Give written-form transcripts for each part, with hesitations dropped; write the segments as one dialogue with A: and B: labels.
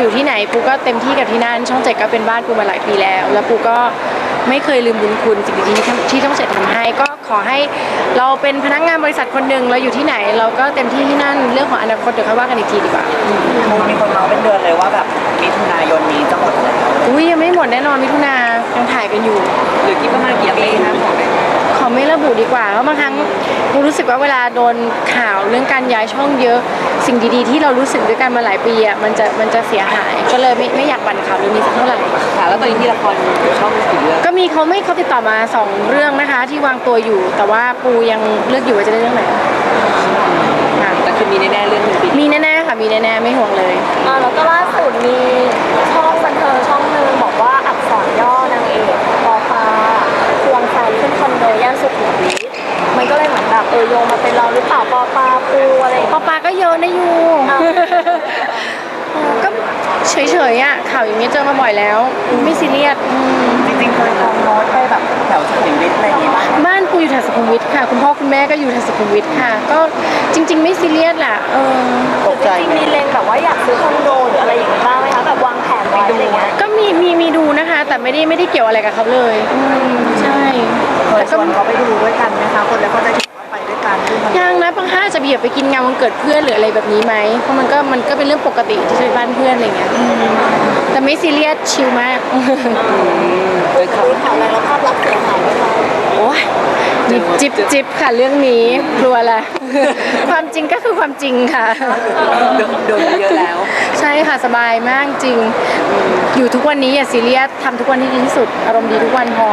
A: อยู่ที่ไหนปูก็เต็มที่กับที่นั่นช่อง 7ก็เป็นบ้านปูมาหลายปีแล้วปูก็ไม่เคยลืมบุญคุณสิ่งดีๆที่ช่อง 7ทำให้ก็ขอให้เราเป็นพนักงานบริษัทคนหนึ่งเราอยู่ที่ไหนเราก็เต็มที่ที่นั่นเรื่องของอนาคตเดี๋ยวค่อยว่ากันอีกทีดีกว่า
B: มีคนเมาเป็นเดือนเลยว่าแบบมิถุนายนนี้จะหมดแล้ว
A: อุ้ยยังไม่หมดแน่นอนมิถุนายังถ่ายกันอยู่
B: หรือคิดประมาณกี่ปีนะ
A: ขอไม่ระบุดีกว่าเพราะบางครั้งปูรู้สึกว่าเวลาโดนข่าวเรื่องการย้ายช่องเยอะสิ่งดีๆที่เรารู้สึกด้วยกันมาหลายปีอ่ะมันจะเสียหายก็เลยไม่อยากบั่นข่าวเรื่องนี้สักเท่าไหร่
B: ค่ะแล้วตอนนี้ที่ละครช่องกี่เรื่อง
A: ก็มีเขาติดต่อมา2เรื่องนะคะที่วางตัวอยู่แต่ว่าปูยังเลือกอยู่ว่าจะได้เรื่องไหน
B: แต่คือมีแน่ๆเรื่องนึง
A: มีแน่ๆค่ะมีแน่ๆไม่ห่วงเลย
C: แล้วก็ล่าสุดมีช่องบันเทิงช่องนึงบอกว่าอักษรย่อนางเอกปอปาควงแฟนขึ้นคอนโดย่านสุขุมวิทมันก็เลยเหมือนแบบโยงมาเป็นเราหรือเปล่าปอปาปูอะไร
A: ปอปาก็เยอะนะยูก็เฉยๆอ่ะข่าวอย่างนี้เจอมาบ่อยแล้วไม่ซีเรียส
B: จริงๆเคยลองโน้ตไปแบบแถวสุขุมวิทอะไรอย่างงี้
A: บ้านปูอยู่แถวสุขุมวิทค่ะคุณพ่อคุณแม่ก็อยู่แถวสุขุมวิทค่ะก็จริงๆไม่ซีเรียสแหละ
C: ตกใจจริงๆมีเลงแบบว่าอยากซื้อคอนโดหรืออะไรอย่างเงี้ยบ้างไหมคะแบบวางแผนไว้อะไรเงี้ย
A: ก็มีดูนะคะแต่ไม่ได้เกี่ยวอะไรกับเขาเลยใช่
B: แต่ก็เขาไปดูด้วยกันไหมคะคนแล้วเขาจะไปด้วยกัน
A: ยังนะบางท่าจะเบียดไปกินงานวันเกิดเพื่อนหรืออะไรแบบนี้ไหมเพราะมันก็เป็นเรื่องปกติที่จะไปบ้านเพื่อนอะไรเงี้ยแต่ไม่ซีเรียสชิลมาก
C: มีข่าวอะไรแล้วภาพลักษณ์เสียหายไหมคะ
A: โอ้ยจิบค่ะเรื่องนี้กลัวละความจริงก็คือความจริงค่ะ
B: โดนเยอะแล้ว
A: ใช่ค่ะสบายมากจริงอยู่ทุกวันนี้อย่าซีเรียสทำทุกวันที่ดีที่สุดอารมณ์ดีทุกวันพอ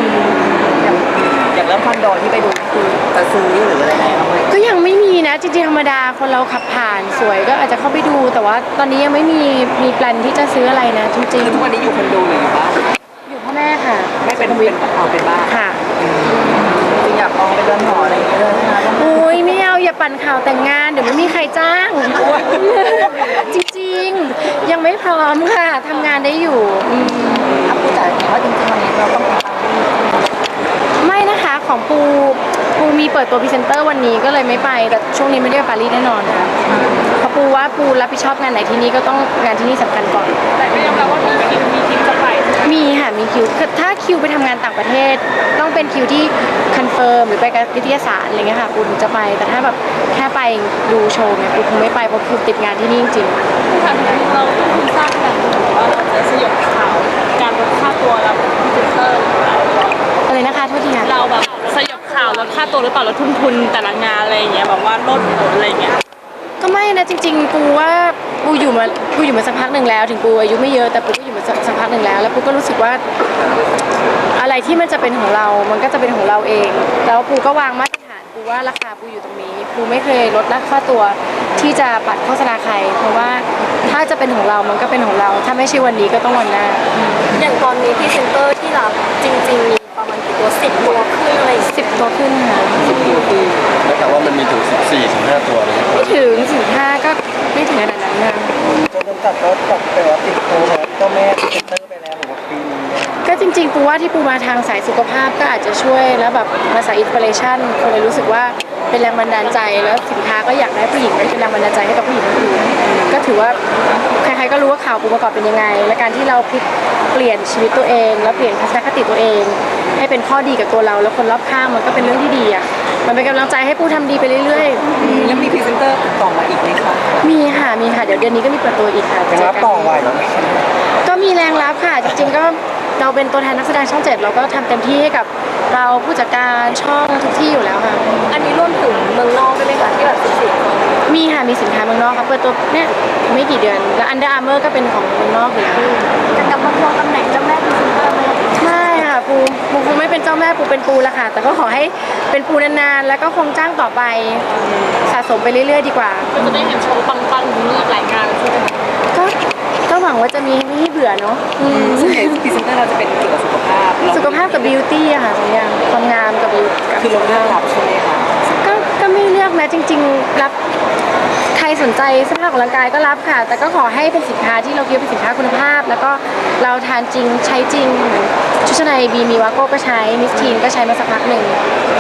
B: อย่างเริ่มคอนโดที่ไปดูคือจะซื้อหรืออะไร
A: ก็ยังไม่มีนะจริงๆธรรมดาคนเราขับผ่านสวยก็อาจจะเข้าไปดูแต่ว่าตอนนี้ยังไม่มีแปลนที่จะซื้ออะไรนะจริง
B: ๆทุกวันนี้อยู่คอนโดหรืออยู่บ้าน
A: อยู่พ่อแม่ค่ะ
B: ไม่เป็นบ้าน
A: ค่ะ
B: จริงอยากลองไปเดินหออะไรอย่างเงี้ยนะคะ
A: อุ้ยไม่เอาอย่าปั่นข่าวแต่งงานเดี๋ยวไม่มีใครจ้างจริงๆยังไม่พร้อมค่ะทำงานได้อยู่
B: พูดแต่ว่าจริงๆวันนี้เราต้อง
A: ไม่นะคะของปูมีเปิดตัวพรีเซนเตอร์วันนี้ก็เลยไม่ไปแต่ช่วงนี้ไม่ได้ไปปารีสแน่นอนค่ะเพราะปูว่าปูรับผิดชอบงานไหนที่นี่ก็ต้องงานที่นี่สำคัญก่อน
C: แต่ก็ยอมรับว่ามีคิวจะไป
A: มีค่ะมีคิวถ้าคิวไปทำงานต่างประเทศต้องเป็นคิวที่คอนเฟิร์มหรือไปกับวิทยาศาสตร์อะไรเงี้ยค่ะปูถึงจะไปแต่ถ้าแบบแค่ไปดูโชว์เนี่ยปูคงไม่ไปเพราะปูติดงานที่นี่จริง
C: ๆเราทราบแบบว่าเราจะสยบข่าวการลดค่าตัวรับพรีเซนเตอร์
A: อะไรนะคะโทษทีค่ะ
C: เราแบบสยบข่าวลดค่าตัวหรือเปล่าลดทุนแต่ละงานอะไรอย่างเงี้ยแบบว่าลดผลอะไรเงี้ย
A: ก็ไม่นะจริงๆปูว่าปูอยู่มาสักพักหนึ่งแล้วถึงปูอายุไม่เยอะแต่ปูก็อยู่มาสักพักหนึ่งแล้วปูก็รู้สึกว่าอะไรที่มันจะเป็นของเรามันก็จะเป็นของเราเองแล้วปูก็วางมาตรฐานปูว่าราคาปูอยู่ตรงนี้ปูไม่เคยลดราคาตัวที่จะปัดโฆษณาใครเพราะว่าถ้าจะเป็นของเรามันก็เป็นของเราถ้าไม่ใช่วันนี้ก็ต้องวันหน้า
C: อย่างตอนนี้พรีเซนเตอร์ที่รับจริงๆมีประมาณกี่ตัว10 ตัวขึ้นอะไร
A: 10 ตัวขึ้นค่ะ
D: 10 ตัวขึ้นแล้วแต่ว่ามันมีถึง14-15 ตัวเลย
A: ไม่ถึง15ก็ไม่ถึงขนาดนั้นนะ
B: จนตัดรถกับแต่ว่าติดโควิดเจ้าแม่พรีเซนเตอร์ไปแล้วหรือว่าปีนี้
A: ก็จริงๆปูว่าที่ปูมาทางสายสุขภาพก็อาจจะช่วยแล้วแบบมาสายอินสปิเรชันคนเลยรู้สึกว่าเป็นแรงบันดาลใจแล้วสินค้าก็อยากได้ผู้หญิงเป็นแรงบันดาลใจให้กับผู้หญิงคนอื่นก็ถือว่าใครๆก็รู้ว่าข่าวปูประกอบเป็นยังไงและการที่เราพลิกเปลี่ยนชีวิตตัวเองแล้วเปลี่ยนทัศนคติตัวเองให้เป็นข้อดีกับตัวเราแล้วคนรอบข้างมันก็เป็นเรื่องที่ดีอ่ะมันเป็นกำลังใจให้ปูทำดีไปเรื่อย
B: ๆแล้วมีพรีเซนเตอร์ต่อมาอีกไหมคะ
A: มีค่ะเดี๋ยวเดือนนี้ก็มีเปิดตัวอีกค่ะ
B: จะรับต่อไหวแล้ว
A: ก็มีแรงรับค่ะจริงๆก็เราเป็นตัวแทนนักแสดงช่อง 7เราก็ทำเต็มที่ให้กับเราผู้จัดการช่องทุกที่อยู่แล้วค่ะ
C: อันนี้รวมถึงเมืองนอกด้วยไหมคะที่แบบสินค้า
A: มีค่ะมีสินค้าเมืองนอกครับเปิดตัวเนี่ยไม่กี่เดือนแล้ว Under Armour ก็เป็นของเมืองนอกอยู่แล้ว
C: จะกลับมาทวงตำแหน่งเจ้าแม่พรีเซนเตอร์ไหม
A: ไม่ค่ะปูไม่เป็นเจ้าแม่ปูเป็นปูละค่ะแต่ก็ขอให้เป็นปูนานๆแล้วก็คงจ้างต่อไปสะสมไปเรื่อยๆดีกว่า
C: ก็จะได้เห็นโชว์ปังๆนี้หลายงานใช่ไหม
A: ก็หวังว่าจะมีไม่ให้เบื่อเนาะ
B: ซึ่งพรีเซนเตอร์เราจะเป็นเกี่ยวกับสุขภาพ
A: กับบิวตี้อะค่ะสองอย่างความงามกับบิว
B: คือเราเลือกรับใช่ไหมคะ
A: ก็ไม่เลือกนะจริงๆรับใครสนใจเสื้อผ้าของร่างกายก็รับค่ะแต่ก็ขอให้เป็นสินค้าที่เราคิดว่าเป็นสินค้าคุณภาพแล้วก็เราทานจริงใช้จริงชุดชั้นในบีมีวาโก้ก็ใช้มิสทีนก็ใช้มาสักพักหนึ่ง